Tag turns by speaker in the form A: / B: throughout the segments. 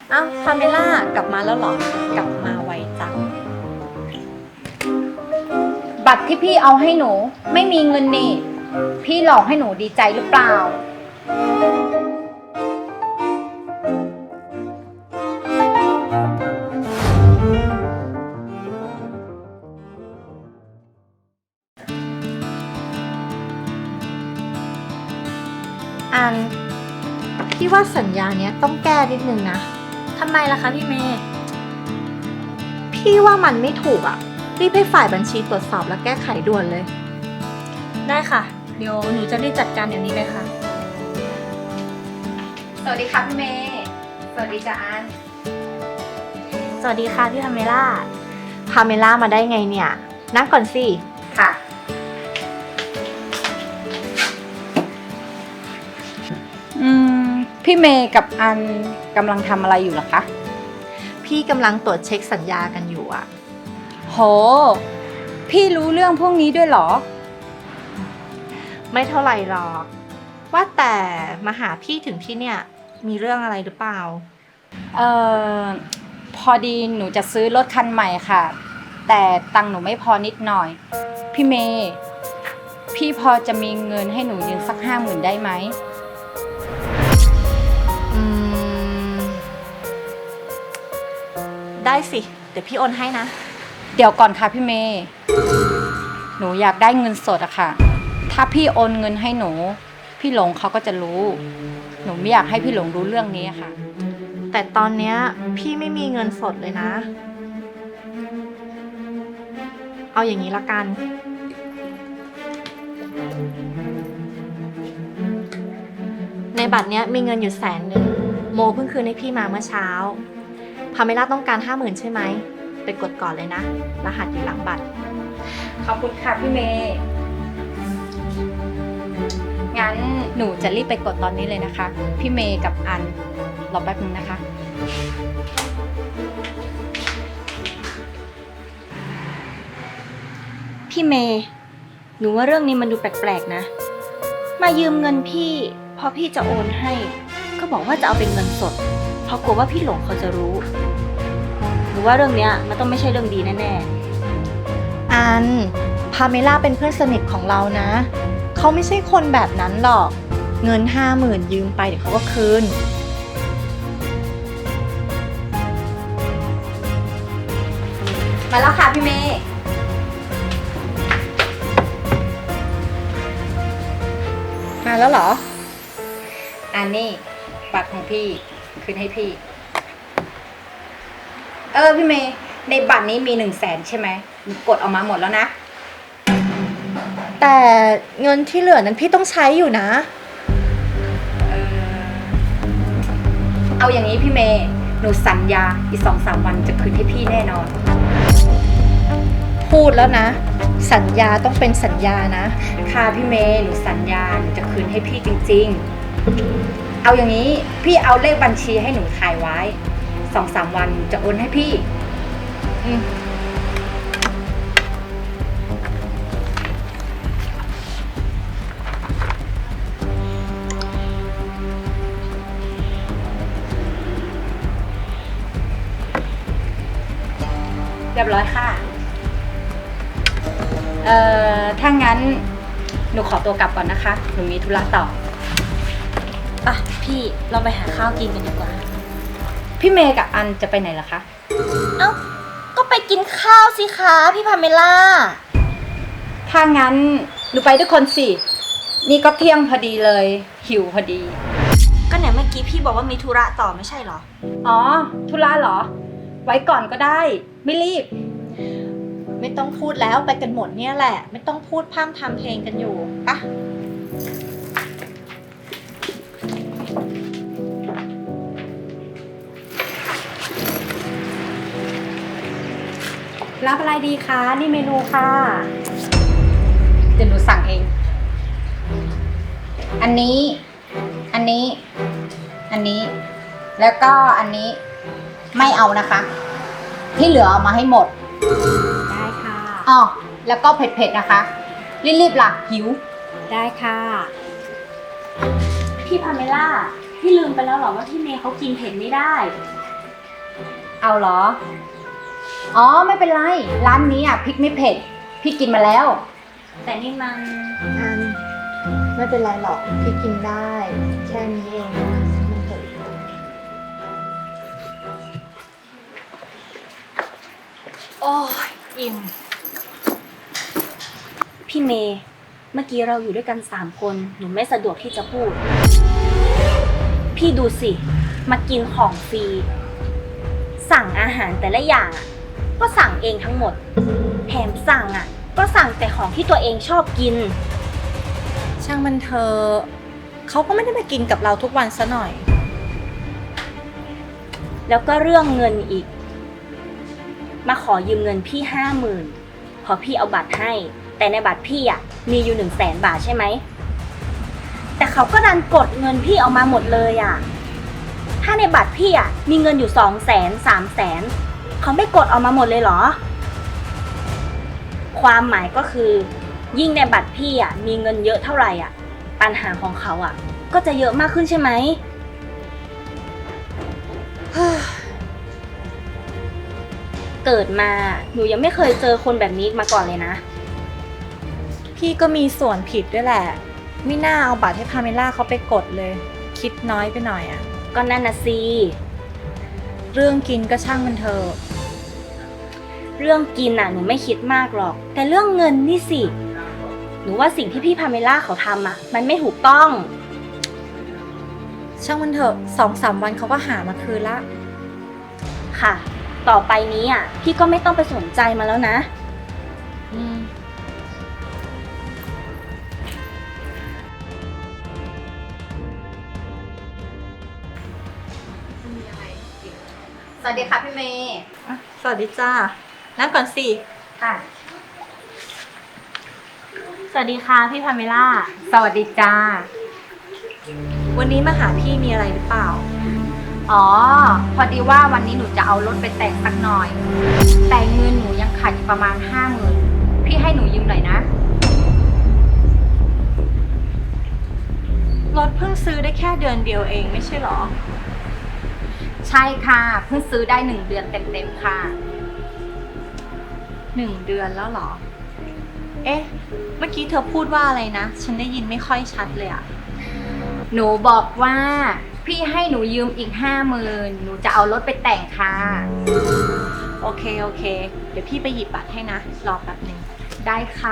A: อ้าวพาเมล่ากลับมาแล้วเหรอ กลับมาไวจัง
B: บัตรที่พี่เอาให้หนูไม่มีเงินนี่พี่หลอกให้หนูดีใจหรือเปล่า
A: อันพี่ว่าสัญญาเนี้ยต้องแก้นิดนึงนะ
C: ทำไมล่ะคะพี่เมย์
A: พี่ว่ามันไม่ถูกอ่ะรีบให้ฝ่ายบัญชีตรวจสอบและแก้ไขด่วนเลย
C: ได้ค่ะ เดี๋ยวหนูจะรีบจัดการเดี๋ยวนี้เลยค่ะ
B: สวัสดีค่ะพี่เมย์สวัสดีจ้าอัน
C: สวัสดีค่ะพี่พาเมล่า
A: พาเมล่ามาได้ไงเนี่ย นั่งก่อนสิ
B: ค่ะพี่เมย์กับอันกำลังทำอะไรอยู่เหรอคะ
A: พี่กำลังตรวจเช็คสัญญากันอยู่อ่ะ
B: โหพี่รู้เรื่องพวกนี้ด้วยเหรอ
A: ไม่เท่าไหร่หรอก ว่าแต่มาหาพี่ถึงที่เนี่ยมีเรื่องอะไรหรือเปล่า
B: เอ่อพอดีหนูจะซื้อรถคันใหม่ค่ะแต่ตังค์หนูไม่พอนิดหน่อยพี่เมย์พี่พอจะมีเงินให้หนูยืมสัก50,000ได้ไหม
A: อืม ได้สิ เดี๋ยวพี่โอนให้นะ
B: เดี๋ยวก่อนค่ะพี่เมย์หนูอยากได้เงินสดอะค่ะถ้าพี่โอนเงินให้หนูพี่หลงเขาก็จะรู้หนูไม่อยากให้พี่หลงรู้เรื่องนี้อะค่ะ
A: แต่ตอนเนี้ยพี่ไม่มีเงินสดเลยนะ เอาอย่างนี้ละกัน ในบัตรเนี้ยมีเงินอยู่100,000โมเพิ่งคืนให้พี่มาเมื่อเช้าพาเมล่าต้องการ50,000ใช่ไหมไปกดก่อนเลยนะรหัสอยู่หลังบัตร
B: ขอบคุณค่ะพี่เมย์งั้นหนูจะรีบไปกดตอนนี้เลยนะคะพี่เมย์กับอันรอแป๊บนึงนะคะ
C: พี่เมย์ หนูว่าเรื่องนี้มันดูแปลกๆนะ มายืมเงินพี่พอพี่จะโอนให้ ก็บอกว่าจะเอาเป็นเงินสด เพราะกลัวว่าพี่หลงเขาจะรู้ หนูว่าเรื่องเนี้ยมันต้องไม่ใช่เรื่องดีแน่ๆ
A: อันพาเมล่าเป็นเพื่อนสนิทของเรานะ เขาไม่ใช่คนแบบนั้นหรอก เงิน50,000ยืมไปเดี๋ยวเขาก็คืน
B: มาแล้วค่ะพี่เมย์มาแล้วเหรออันนี้บัตรของพี่คืนให้พี่พี่เมย์ในบัตรนี้มี100,000ใช่ไหมหนูกดออกมาหมดแล้วนะ
A: แต่เงินที่เหลือนั้นพี่ต้องใช้อยู่นะ
B: เอาอย่างนี้พี่เมย์หนูสัญญาอีก2-3 วันจะคืนให้พี่แน่นอน
A: พูดแล้วนะ สัญญาต้องเป็นสัญญานะ
B: ค่ะพี่เมย์หนูสัญญาหนูจะคืนให้พี่จริงๆเอาอย่างนี้พี่เอาเลขบัญชีให้หนูถ่ายไว้2-3 วันจะโอนให้พี่เรียบร้อยค่ะถ้างั้นหนูขอตัวกลับก่อนนะคะหนูมีธุระต่อ
C: ป่ะพี่เราไปหาข้าวกินกันดีกว่า
B: พี่เมย์กับอันจะไปไหนล่ะคะ
C: เอ้า ก็ไปกินข้าวสิคะพี่พาเมล่า
B: ถ้างั้นหนูไปด้วยคนสินี่ก็เที่ยงพอดีเลยหิวพอดี
C: ก็ไหนเมื่อกี้พี่บอกว่ามีธุระต่อไม่ใช่เหรอ
B: อ๋อธุระเหรอไว้ก่อนก็ได้ไม่รีบ
A: ไม่ต้องพูดแล้วไปกันหมดเนี่ยแหละ ไม่ต้องพูดพร่ำทำเพลงกันอยู่ปะ
B: รับอะไรดีคะนี่เมนูค่ะเดี๋ยวหนูสั่งเองอันนี้แล้วก็อันนี้ไม่เอานะคะที่เหลือเอามาให้หมด
C: ได้ค่ะ
B: อ๋อแล้วก็เผ็ดๆนะคะรีบๆล่ะหิว
C: ได้ค่ะพี่พาเมล่าพี่ลืมไปแล้วเหรอว่าพี่เมย์เขากินเผ็ดไม่ได้
B: เอาเหรอ อ๋อไม่เป็นไร ร้านนี้อ่ะพริกไม่เผ็ด พี่กินมาแล้ว
C: แต่นี่มัน
A: อันไม่เป็นไรหรอกพี่กินได้ แค่นี้เองมันเถอะ โอ้ยอิ่ม
C: พี่เมย์เมื่อกี้เราอยู่ด้วยกัน3 คนหนูไม่สะดวกที่จะพูด พี่ดูสิมากินของฟรีสั่งอาหารแต่ละอย่างอ่ะก็สั่งเองทั้งหมดแถมสั่งอ่ะก็สั่งแต่ของที่ตัวเองชอบกิน
A: ช่างมันเถอะเขาก็ไม่ได้มากินกับเราทุกวันซะหน่อย
C: แล้วก็เรื่องเงินอีก มาขอยืมเงินพี่50,000พอพี่เอาบัตรให้ แต่ในบัตรพี่อ่ะมีอยู่100,000 บาทใช่ไหมแต่เขาก็ดันกดเงินพี่เอามาหมดเลยอ่ะถ้าในบัตรพี่อ่ะมีเงินอยู่200,000 300,000เขาไม่กดเอามาหมดเลยเหรอ ความหมายก็คือยิ่งในบัตรพี่อ่ะมีเงินเยอะเท่าไหร่อ่ะปัญหาของเขาอ่ะก็จะเยอะมากขึ้นใช่ไหม เกิดมาหนูยังไม่เคยเจอคนแบบนี้มาก่อนเลยนะ
A: พี่ก็มีส่วนผิดด้วยแหละ ไม่น่าเอาบัตรให้พาเมล่าเขาไปกดเลย คิดน้อยไปหน่อยอะ
C: ก็นั่นน่ะสิ
A: เรื่องกินก็ช่างมันเถอะ
C: เรื่องกินน่ะหนูไม่คิดมากหรอก แต่เรื่องเงินนี่สิหนูว่าสิ่งที่พี่พาเมล่าเขาทำอ่ะมันไม่ถูกต้อง
A: ช่างมันเถอะ2-3 วันเขาก็หามาคืนละ
C: ค่ะ ต่อไปนี้อ่ะพี่ก็ไม่ต้องไปสนใจมาแล้วนะ
A: อืม
B: สวัสดีค่ะพี่เมย์
A: สวัสดีจ้านั่งก่อนสิ
B: ค่ะ
C: สวัสดีค่ะพี่พาเมล่า
B: สวัสดีจ้า
A: วันนี้มาหาพี่มีอะไรหรือเปล่า
B: อ๋อ พอดีว่าวันนี้หนูจะเอารถไปแต่งสักหน่อย แต่เงินหนูยังขาดอยู่ประมาณ50,000พี่ให้หนูยืมหน่อยนะ
A: รถเพิ่งซื้อได้แค่เดือนเดียวเองไม่ใช่หรอ
B: ใช่ค่ะเพิ่งซื้อได้1 เดือนเต็มๆค่ะ
A: 1 เดือนแล้วเหรอ เอ๊ะ เมื่อกี้เธอพูดว่าอะไรนะ ฉันได้ยินไม่ค่อยชัดเลยอะ
B: หนูบอกว่าพี่ให้หนูยืมอีก50,000หนูจะเอารถไปแต่งค่ะ
A: โอเค เดี๋ยวพี่ไปหยิบบัตรให้นะ รอแป๊บหนึ่ง
B: ได้ค่ะ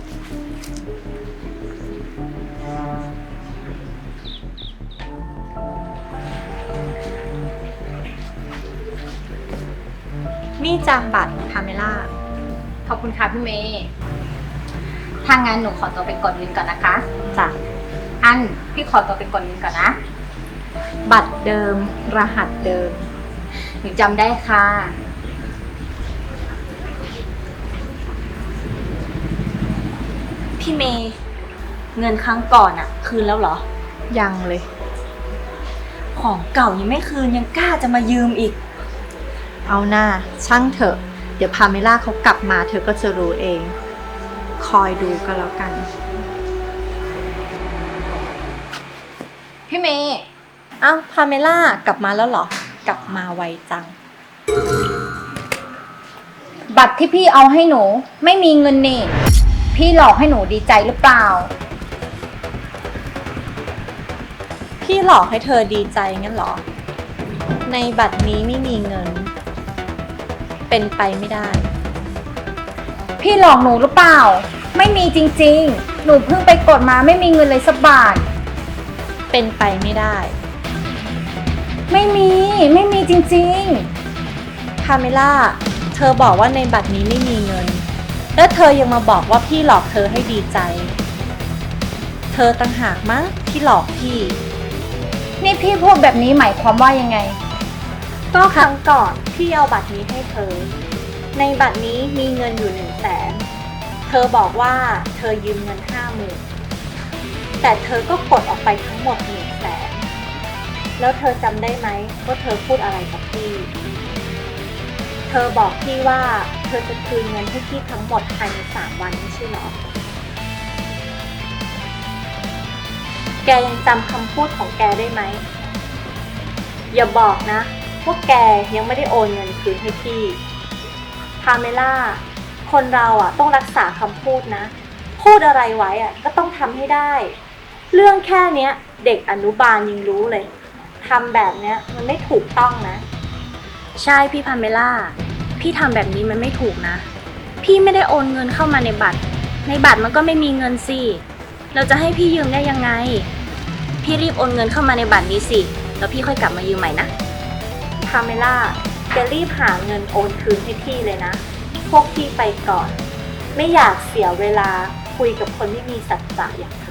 A: นี่จ้ะบัตรพาเมล่า
B: ขอบคุณค่ะพี่เมย์ถ้างั้นหนูขอตัวไปกดเงินก่อนนะคะ
A: จ้ะ
B: อันพี่ขอตัวไปกดเงินก่อนนะ
A: บัตรเดิม รหัสเดิม
B: หนูจำได้ค่ะ
C: พี่เมย์เงินครั้งก่อนอ่ะ คืนแล้วเหรอ
A: ยังเลย
C: ของเก่ายังไม่คืนยังกล้าจะมายืมอีก
A: เอาหน้าช่างเถอะ เดี๋ยวพาเมล่าเขากลับมาเธอก็จะรู้เอง คอยดูก็แล้วกัน
B: พี่เมย์
A: เอ้าพาเมล่ากลับมาแล้วเหรอ กลับมาไวจัง
B: บัตรที่พี่เอาให้หนูไม่มีเงินนี่พี่หลอกให้หนูดีใจหรือเปล่า
A: พี่หลอกให้เธอดีใจงั้นเหรอ ในบัตรนี้ไม่มีเงิน เป็นไปไม่ได้
B: พี่หลอกหนูหรือเปล่า ไม่มีจริงๆ หนูเพิ่งไปกดมาไม่มีเงินเลยสักบาท
A: เป็นไปไม่ได้
B: ไม่มีจริงๆ
A: พาเมล่า เธอบอกว่าในบัตรนี้ไม่มีเงิน แล้วเธอยังมาบอกว่าพี่หลอกเธอให้ดีใจ เธอต่างหากมั้งที่หลอกพี่
B: นี่พี่พูดแบบนี้หมายความว่ายังไง
A: ก็ครั้งก่อนพี่เอาบัตรนี้ให้เธอ ในบัตรนี้มีเงินอยู่100,000เธอบอกว่าเธอยืมเงิน50,000แต่เธอก็กดออกไปทั้งหมด100,000แล้วเธอจำได้ไหมว่าเธอพูดอะไรกับพี่ เธอบอกพี่ว่าเธอจะคืนเงินให้พี่ทั้งหมดภายใน3 วันไม่ใช่เหรอ แกยังจำคำพูดของแกได้ไหม อย่าบอกนะว่าวกแกยังไม่ได้โอนเงินคืนให้พี่พาเมล่าคนเราต้องรักษาคำพูดนะ พูดอะไรไว้ก็ต้องทำให้ได้ เรื่องแค่เนี้ยเด็กอนุบาลยังรู้เลยทำแบบเนี้ยมันไม่ถูกต้องนะ
C: ใช่พี่พาเมล่า พี่ทำแบบนี้มันไม่ถูกนะ พี่ไม่ได้โอนเงินเข้ามาในบัตร ในบัตรมันก็ไม่มีเงินสิ เราจะให้พี่ยืมได้ยังไง พี่รีบโอนเงินเข้ามาในบัตรนี้สิ แล้วพี่ค่อยกลับมายืมใหม่นะ
A: พาเมล่าแกรีบหาเงินโอนคืนให้พี่เลยนะ พวกพี่ไปก่อน ไม่อยากเสียเวลาคุยกับคนไม่มีสัจจะอย่างเธ